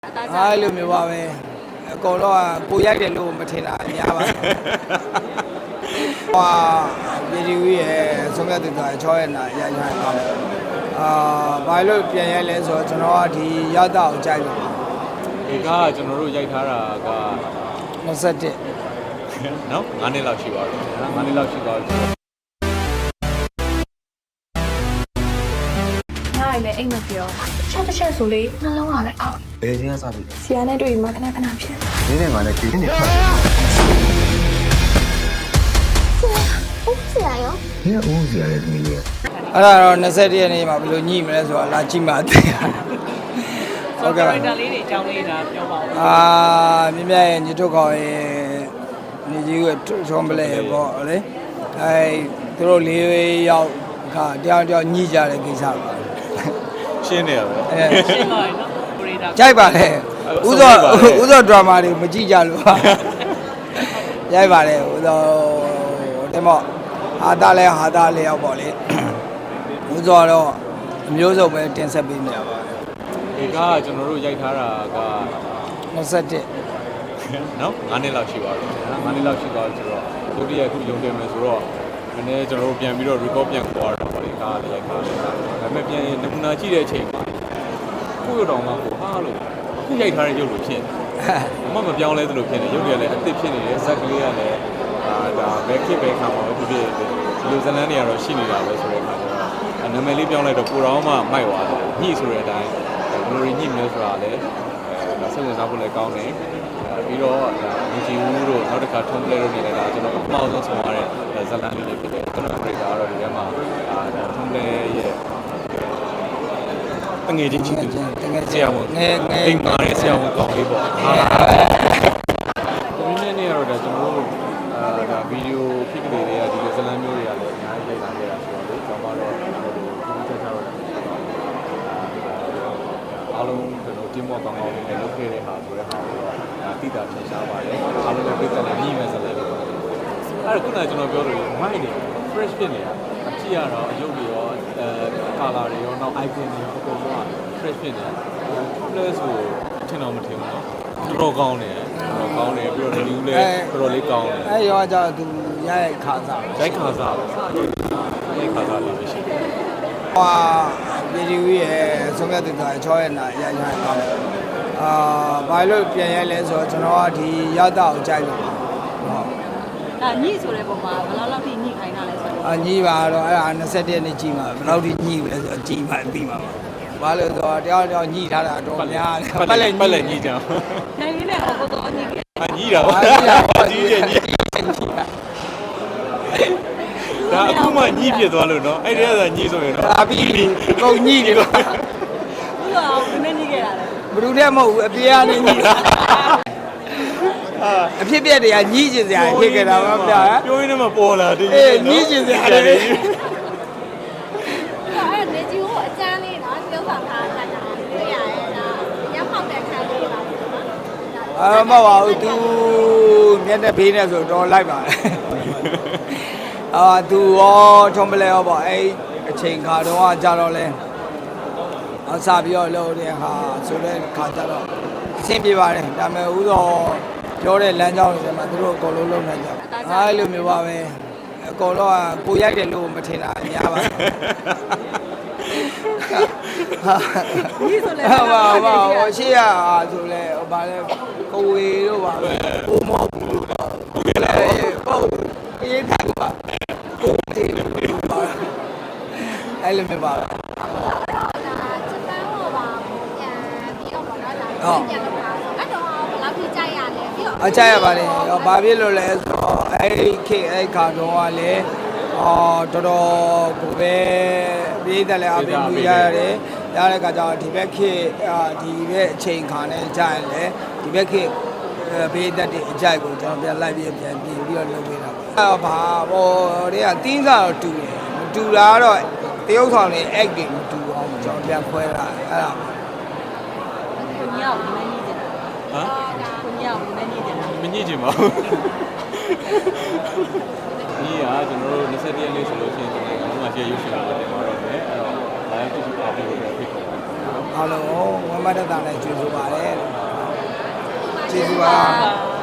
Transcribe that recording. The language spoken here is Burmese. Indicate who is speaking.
Speaker 1: အားလို့မျိုးပါပဲအကုန်တော့ကိုရိုက်တယ်လို့မထင်တာအများပါဟာဗီဒီယိုရဲ့ဆုံးဖြတ်တဲ့6ရက်နာရိုက်ထားတာဘာလို့ပြန်ရိုက်လဲဆိုတော့ကျွန်တော်ကဒီရတာကိုကြိုက်လို့
Speaker 2: ဒီကကျွန်တော်တို့ရိုက်ထားတာက
Speaker 1: 21
Speaker 2: နော်9နှစ်လောက်ရှိပါပြီ9နှစ်လောက်ရှိပါပြီ
Speaker 3: နိုင်လေအိမ်မပြောချက်တစ်ချက်ဆိုလေနှလုံးကလည်းအောက်
Speaker 4: ဘယ်ချင်းကစားပြီလဲ
Speaker 3: ဆရာနဲ့တွေ့ရင်မှခဏခဏဖြစ်
Speaker 4: နင်းနဲ့ငါနဲ့ကြည့်နေဖတ်
Speaker 3: ဟုတ်ဆရာရော
Speaker 4: နင်းကဦးစီရတယ်သမီးလေး
Speaker 1: အဲ့ဒါတော့21ရက်နေ့မှာဘယ်လိုညှိမလဲဆိုတာလာကြည့်မှသိရ
Speaker 5: ဟုတ်ကဲ့ပါဒါလေးတွေအကြောင်းလေးဒါပြောပါဦး
Speaker 1: မြင်မြရဲ့ညီထုတ်ခေါ်ရဲ့ညီကြီးကထုံးပလဲပေါ့လေသူတို့၄ယောက်ခါတယောက်ညှိကြတဲ့ကိစ္စပါ
Speaker 2: ရှင်းနေရပဲ
Speaker 5: ရှင်းပါနော်ပရိဒါ
Speaker 1: ကြိုက်ပါလေဥသောဒရာမာတွေမကြည့်ကြလို့ရိုက်ပါတယ်ဥသောတဲ့မော့ဟာတာလဲဟာတာလဲရောက်ပေါ့လေဥသောတော့အမျိုးစုံပဲတင်ဆက်ပေးနေရပါတယ်
Speaker 2: ဒီကကျွန်တော်တို့ရိုက်ထားတာက
Speaker 1: 21
Speaker 2: နော်9နှစ်လောက်ရှိပါပြီ9နှစ်လောက်ရှိသွားပြီဆိုတော့ဒုတိယခုရုံတင်မယ်ဆိုတော့နည်းနည်းကျွန်တော်တို့ပြန်ပြီးတော့ record ပြန်ခေါ်ရတာပေါ့ဒီကလည်းရိုက်ထားတယ်ဒါပေမဲ့ပြန်နမူနာကြည့်တဲ့အချိန်မှာကိုယ့်ရုပ်တော်မှာကိုဟာလို့အခုရိုက်ထားတဲ့ရုပ်လိုဖြစ်မပြောင်းလဲသလိုဖြစ်နေရုပ်တွေကလည်းအသစ်ဖြစ်နေတယ်ဇက်ကလေးကလည်းဒါဘယ်ခေတ်ဘယ်ခါမှာပဲဖြစ်ဖြစ်ဒီလိုဇလန်းတွေကတော့ရှိနေတာပဲဆိုတဲ့အခါကျတော့နာမည်လေးပြောင်းလိုက်တော့ကိုတော်မှမိုက်သွားတယ်ညှိဆိုတဲ့အတိုင်းဘယ်လိုညှိမလဲဆိုတာလည်းစိတ်ဝင်စားဖို့လည်းကောင်းတယ်ပြီးတော့ဒီဂျီဦးတို့နောက်တစ်ခါထုံးပလဲတို့နေလည်းဒါကျွန်တော်အမှောက်ဆုံးဆောင်ရတဲ့ဇလန်းလေးတွေဖြစ်တယ်ကျွန်တော်ပြည်ကတော့ဒီထဲမှာထုံးပလဲရဲ့တငယ်ချင်းချင်းဆရာဝန်အိမ်မှာရဲ့ဆရာဝန်ကောင်းလေးပေါ့ဒီနေ့နေ့ကတော့ဒါကျွန်တော်တို့ဒါဗီဒီယိုဖြစ်ကလေးတွေကဒီဇလန်းမျိုးတွေကလည်းအများကြီးရိုက်လာခဲ့တာဆိုတော့လေကျွန်တော်ကတော့ဒီချက်ချတော့အားလုံးကျွန်တော်တင်းမော့ကောင်းကောင်းလေးနဲ့လုပ်ခဲ့တဲ့ဟာဆိုတဲ့ဟာကိုတော့တိတာထင်ရှားပါတယ်အားလုံးလည်းပြည့်စုံတယ်ညီမဲ့ဇလန်းလေးပေါ့အဲ့ဒါခုနကကျွန်တော်ပြောလို့မိုက်နေ fresh ဖြစ်နေတာအကြည့်ရတော့အယုတ်တွေရောcolor တွေရောနောက် icon တွေရောအကုန်လုံးက fresh ဖြစ်နေတာ plus ကိုထင်တော့မထင်ဘူးเนาะတော်ကောင်းတယ်ပြီးတော့ review လည်းတော်တော်လေးကောင်းတယ်
Speaker 1: အဲ့ရောကြတော့သူရိုက်ခါစား
Speaker 2: ရိုက်ခါစားရိုက်ခါစားလေးပဲရှိတယ်
Speaker 1: ဗီဒီယိုရဲ့ဆုံးဖြတ်တဲ့6ရက်နာရိုက်ထားတာဘာလို့ပြန်ရိုက်လဲဆိုတော့ကျွန်တော်ကဒီရတာကိုကြိုက်လို့
Speaker 5: ဟုတ်ညှိဆိုတဲ့ပုံမှာဘယ်လောက်ထိညှိခိုင်းတာလဲဆိုတော့
Speaker 1: ညှိပါတော့အဲ့ဒါ21ရက်နေ့ကြည့်မှာဘယ်လောက်ထိညှိလဲဆိုတော့ကြည့်မှပြီးမှာပါဘာလို့ဆိုတော့တယောက်ညှိထားတာတော့များတယ်
Speaker 2: ပတ်လက်ညှိကြအောင်
Speaker 5: နိုင်ရင်းနဲ့ဟောတော့ညှိခဲ့
Speaker 2: ညှိတာပါကြီးတယ်ညှိဒါအခုမှညှိဖြစ်သွားလို့နော်အဲ့ဒီကညှိဆိုရင်တော့
Speaker 1: ပြီးကုန်ညှိတယ်ကွာ
Speaker 5: ဘူးတော့ဘယ်နဲ့ညှိခဲ့တာလဲ
Speaker 1: ဘယ်သူတည်းမဟုတ်ဘူးအပြေကနေညှိတာအဖြစ်ပြက်တွေကညှိကျင်စရာဖြစ်ခဲ့တာပါဗျာ
Speaker 2: ပြောရင်းနဲ့မှပေါ်လာတယ်
Speaker 1: ညှိကျင်စရာတွေ
Speaker 3: အဲ့နေကြီးကိုအကျန်းလေးနော်ပြုံးဆောင်ထားတာတွေ့ရတယ်နော်ရောက်ပေါက်တဲ့ခါလေးပါနော်
Speaker 1: မဟုတ်ပါဘူး तू မျက်နှာဖေးနေဆိုတော့လိုက်ပါသူရောထုံးပလဲရောပေါ့အဲ့အချိန်ခါတော့ကြာတော့လဲစပြီးတော့လို့တဲ့ဟာဆိုတဲ့ခါကျတော့အဆင်ပြေပါတယ်ဒါပေမဲ့ဥသောပြောတဲ့လမ်းကြောင်းတွေမှာသူတို့အကုန်လုံးလုပ်နိုင်ကြအဲ့လိုမျိုးပါပဲအကုန်တော့ကိုရိုက်တယ်လို့မထင်တာအများပါ
Speaker 5: ဒီဆိုလဲ
Speaker 1: ဟာရှေ့ရဆိုလဲဗာလဲကိုဝေတို့ပါပဲကိုမောဘူးပါကိုလည်းပေါ့အေးတယ်ပါကိုတေးလို့ပါအဲ့လိုမျိုးပါပဲအကြရပါလေဘာဖြစ်လို့လဲဆိုတော့အဲ့ခါတော့ကလည်းတော်တော်ကိုပဲပြည်တယ်လည်းအပြင်မှုရရတယ်ရတဲ့ခါကျတော့ဒီဘက်ခေဒီဘက်အချိန်ခါနဲ့ကြာရင်လေဒီဘက်ခေဘေးသက်တဲ့အကြိုက်ကိုကျွန်တော်ပြန်လိုက်ပြီးပြန်ပြင်ပြီးတော့လုပ်ပေးတာပါဘာတွေကတင်းစားတော့တူတယ်မတူတာတော့တရုပ်ဆောင်တွေ act တွေမတူအောင်ကျွန်တော်ပြန်ခွဲတာအဲ့ဒါ
Speaker 5: ကိုညောက်မညှိတယ်ကိုညောက်မညှိတယ်
Speaker 2: မညှိချင်ပါဘူးဒီကကျွန်တော်တို့21ရက်နေ့ဆိုလို့ရှိရင်ကျွန်တော်ကမှရှေ့ရုပ်ရှင်လာတယ်မှာတော့မယ်အဲ့တော့ live တူတူပါပြီးတော့ဖိတ်ခေါ်ပါ
Speaker 1: အားလုံးဝမ်းမတ္တတာနဲ့ကျေးဇူးပါတယ်ကျေးဇူးပါ